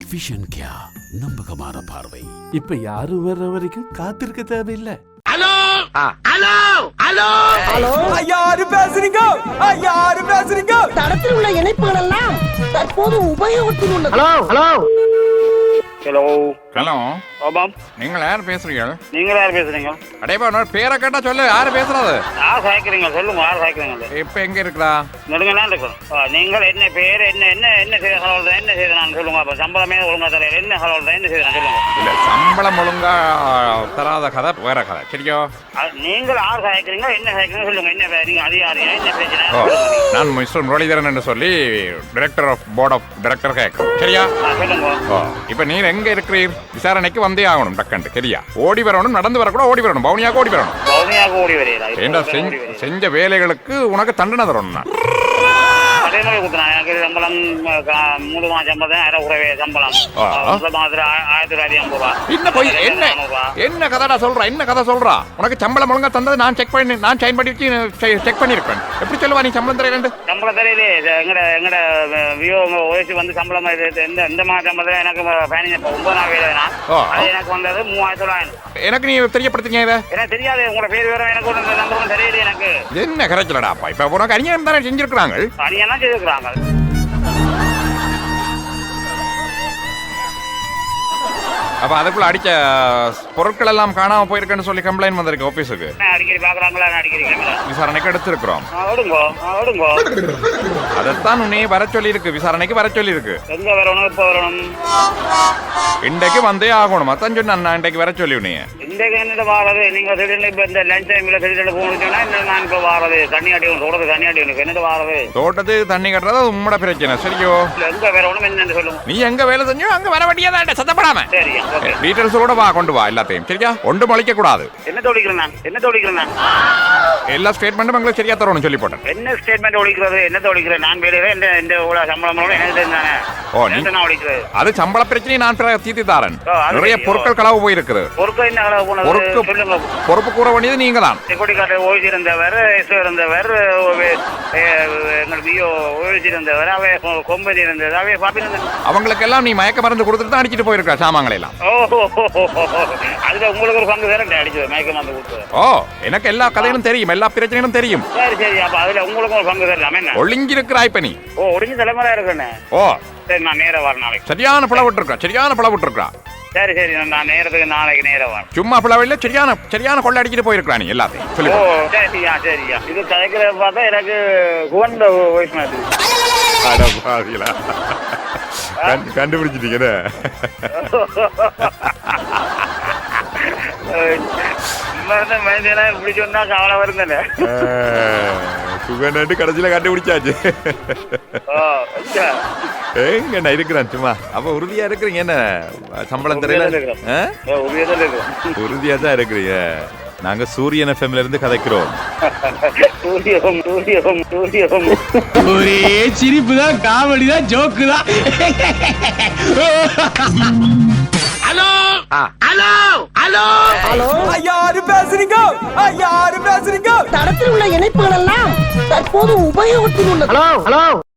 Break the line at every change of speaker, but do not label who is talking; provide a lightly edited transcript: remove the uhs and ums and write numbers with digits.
Vision கியா நம்பகமான பார்வை.
இப்ப யாரும் வர்ற வரைக்கும் காத்திருக்க தேவையில்லை.
ஹலோ ஹலோ ஹலோ
ஹலோ,
யாரு பேசுறீங்க? யாரு பேசுறீங்க?
தடத்தில் உள்ள இணைப்புகள் எல்லாம் தற்போது உபயோகத்தில் உள்ளது.
ஹலோ ஹலோ
ஹலோ
ஹலோ,
ஆமாம்,
நீங்கள் யார் பேசுறீங்க?
நீங்க யார் பேசுறீங்க?
அடையப்பா உன்னோட பேரை கேட்டா சொல்லு, யாரு பேசுறது?
யார் சாய்க்கிறீங்க? சொல்லுங்க, யார் சாய்க்கிறீங்க?
இப்ப எங்க இருக்கிறா?
நெடுங்கலாம் இருக்கும். நீங்கள் என்ன பேர், என்ன என்ன என்ன செய்த ஹலோல்தான், என்ன செய்தான் சொல்லுங்க. அப்ப சம்பளமே ஒழுங்கா தரையில என்ன ஹலோல்தான், என்ன செய்தான் சொல்லுங்க.
இல்ல, சம்பளம் ஒழுங்கா தராத கதை வேற கதை. சரியோ?
நீங்கள் யார் சாய்க்கிறீங்க, என்ன சாய்க்கிறீங்க சொல்லுங்க. என்ன நீங்க அதிகாரியா, என்ன பிரச்சனை?
நான் மிஸ்டர் முரளிதரன் என்று சொல்லி director of board of director கேட்கிறேன். சரியா?
சொல்லுங்க.
இப்ப நீர் எங்க இருக்கிறீர்? விசாரணைக்கு வந்தே ஆகணும். டக்கண்டு சரியா? ஓடி வரணும், நடந்து வரக்கூட ஓடி வரணும், பவுனியாக ஓடி வரணும்.
பவுனியாக ஓடி வரீங்களா?
ஏண்டா செஞ்ச வேலைகளுக்கு உனக்கு தண்டனை தரணும். நான்
அதே மாதிரி கொடுத்தேன். எனக்கு சம்பளம் 3 மாதம் சம்பளம் 1000 குறைவே சம்பளம். மாதத்துல 1950
என்ன போய் என்ன கதைடா சொல்றா? என்ன கதை சொல்றா? உனக்கு சம்பளம் ஒழுங்கா தந்தது நான் செக் பண்ணி, நான் சைன் பண்ணி செக் பண்ணிருக்கேன். எப்படி சொல்லுவா நீ சம்பளம் தரேன்?
சம்பளம் தெரியலே. எங்கட வியோ ஓய்ச்சி வந்து சம்பளம் இந்த மாத சம்பளம் எனக்கு பயணிங்க 9 நாள் வேலை. அது எனக்கு வந்தது 3900.
எனக்கு நீ தெரியப்படுத்துங்க இதை.
எனக்கு தெரியாது. உங்களோட பேர் வேற எனக்கு ஒரு நம்பரும் தெரியல. எனக்கு
என்ன கரைச்சலடாப்பா? இப்ப உனக்கு அநியாயம் தானே செஞ்சிருக்கிறாங்க.
அணியெல்லாம் செய்திருக்கிறாங்க.
அப்ப அதுக்குள்ள அடிச்ச பொருட்கள் எல்லாம் காணாம போயிருக்குன்னு சொல்லி கம்ப்ளைண்ட் வந்திருக்கு ஆபீஸுக்கு.
அடிக்கடி பாக்குறாங்களா? அடிக்கடி
விசாரணைக்கு எடுத்திருக்கிறோம்.
ஓடுங்கோ.
அதைத்தான் உன்னையே வர சொல்லி இருக்கு. விசாரணைக்கு வர சொல்லி இருக்கு.
எங்க வரணும்? இப்ப வரணும்.
இன்றைக்கு வந்தே ஆகணும். அதான் சொன்ன நான் இன்றைக்கு வர சொல்லி உன்னைய.
இன்றைக்கு என்ன வாரது? நீங்க திடீர்னு இப்ப இந்த லஞ்ச் டைம்ல திடீர்னு போகணும்னா நான் இப்ப வாரது தண்ணி அடிக்கணும். தோட்டத்துக்கு தண்ணி அடிக்கணும். என்னது வாரது?
தோட்டத்துக்கு தண்ணி கட்டுறது உம்மோட பிரச்சனை. சரியோ?
எங்க வரணும் என்னன்னு சொல்லுங்க.
நீ எங்க வேலை செஞ்சோ அங்க வர வேண்டியதான். சத்தப்படாம
சரியா?
டீடைல்ஸோட வா, கொண்டு வா எல்லாத்தையும். சரியா? ஒன்று மலிக்க கூடாது.
என்ன தோழிக்கிறேன்?
எல்லா ஸ்டேட்மெண்ட்டும் உங்களுக்கு சரியா தரணும் சொல்லி போட்டேன்.
என்ன ஸ்டேட்மெண்ட் ஒழிக்கிறது? என்ன தோழிக்கிறேன்? நான் வேலையில இந்த சம்பளம் எனக்கு தெரிஞ்சானே.
ஓ, நீ
ஒழிக்கிறது
அது சம்பள பிரச்சனையை நான் தீர்த்து தாரேன்.
அது
நிறைய பொருட்கள் களவு போயிருக்குது.
பொருட்கள் என்ன களவு போனது? சொல்லுங்க.
பொறுப்பு கூற வேண்டியது நீங்க தான்.
செக்யூரிட்டி கார்டு ஓய்ச்சிருந்தவர், இருந்தவர், எங்களுக்கு பிஓ ஓய்ச்சிருந்தவர், அவை கொம்பதி இருந்தது, அவை பாப்பிருந்தது.
அவங்களுக்கு எல்லாம் நீ மயக்க மருந்து கொடுத்துட்டு தான் அடிச்சிட்டு போயிருக்க சாமான்களை எல்லாம்.
அதுல உங்களுக்கு ஒரு பங்கு வேற அடிச்சது மயக்க மருந்து கொடுத்தது.
ஓ, எனக்கு எல்லா கதைகளும் தெரியும், எல்லா பிரச்சனைகளும் தெரியும்.
சரி. அப்ப அதுல உங்களுக்கு ஒரு பங்கு தரலாமே. என்ன
ஒளிஞ்சிருக்கிறா இப்ப நீ?
ஒளிஞ்சு தலைமுறை இருக்குன்னு.
ஓ
சரி, நான் நேர வரேன் நாளைக்கு.
சரியான பிளவிட்டு இருக்கா.
சரி, நான் நேரத்துக்கு நாளைக்கு நேரம் வரேன்.
சும்மா பிளவில்ல, சரியான கொள்ள அடிக்கிட்டு போயிருக்கா நீ எல்லாத்தையும். சொல்லு.
ஓ சரியா. இது கதைக்கிறத பார்த்தா எனக்கு குவந்த வயசு மாதிரி.
கண்டுபிடிச்சிட்டீங்க.
மனிதனா இப்படி சொன்னா கவலை வருந்தானே.
சுகண்டு கடைசியில கண்டுபிடிச்சாச்சு. எங்க நான் இருக்கிறேன் சும்மா. அப்ப உறுதியா இருக்கிறீங்க? என்ன சம்பளம் தெரியல? உறுதியா தான் இருக்கிறீங்க. நாங்க சூரியன் எஃப்எம்ல இருந்து கதைக்கிறோம்.
ஒரே சிரிப்பு தான், காமெடி தான், ஜோக்கு தான். ஹலோ ஹலோ ஹலோ
ஹலோ,
யாரு பேசுறீங்க? யாரு பேசுறீங்க?
தடத்தில் உள்ள இணைப்புகள் எல்லாம் தற்போது உபயோகத்தில் உள்ளது.
ஹலோ